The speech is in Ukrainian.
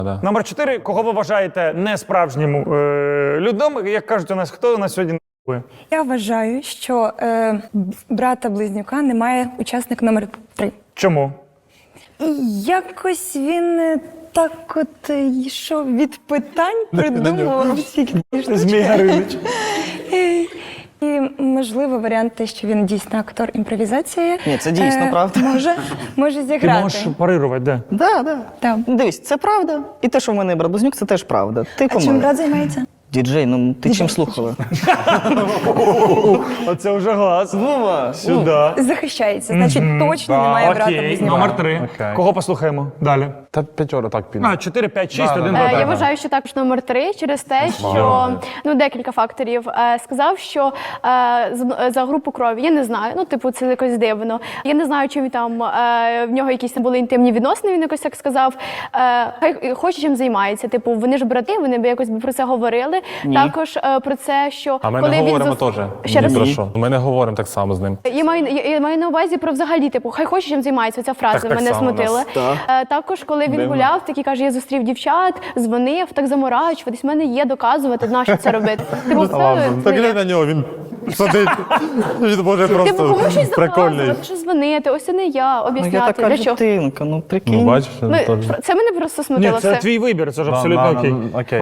Номер 4. Кого ви вважаєте несправжнім людом? Як кажуть у нас, хто у нас сьогодні не***ує? Я вважаю, що брата-близнюка немає учасник номер 3. Чому? Якось він так от йшов від питань, придумував всякі Змій Горинич. І, можливо, варіант те, що він дійсно актор імпровізації. Ні, це дійсно правда. Може Ти зіграти. можеш парирувати, де? Да. Так. Дивись, це правда. І те, що в мене брат-близнюк, це теж правда. Ти А чим помилиш. брат займається? Діджей, ну ти чим слухала? Оце вже глаз. Вова! Сюди. Захищається, значить точно немає брата-близнюка. Номер 3. Окей. Кого послухаємо? Далі. Та п'ятьора так піде. 4, 5, 6, Да, 1, да. 2, Я 3. вважаю, що також номер 3 через те, що декілька факторів. Сказав, що за групу крові я не знаю. Ну, типу, це якось дивно. Я не знаю, чи там в нього якісь були інтимні відносини. Він якось так сказав. Хай хоче чим займається. Типу, вони ж брати, вони б якось про це говорили. Ні. Також про це, що А ми коли не він говоримо теж. Ще раз? Ні про що. Ми не говоримо так само з ним. Я маю на увазі про взагалі, типу, хай хоче чим займається. Ця фраза Так мене само смутила. нас, Також, коли він гуляв, такий каже, я зустрів дівчат, дзвонив, так заморачуватись, в мене є доказувати, нащо це робити. Типу, Так глянь на нього, він сидить. Він може Типу, просто кому щось прикольний. доказувати, що дзвонити, ось це не я, Ну я об'ясняти, така для чого. дитинка, ну прикинь. Ну бачиш, Це мене просто Ні, смутило це все. твій вибір, це ж абсолютно окей. Окей.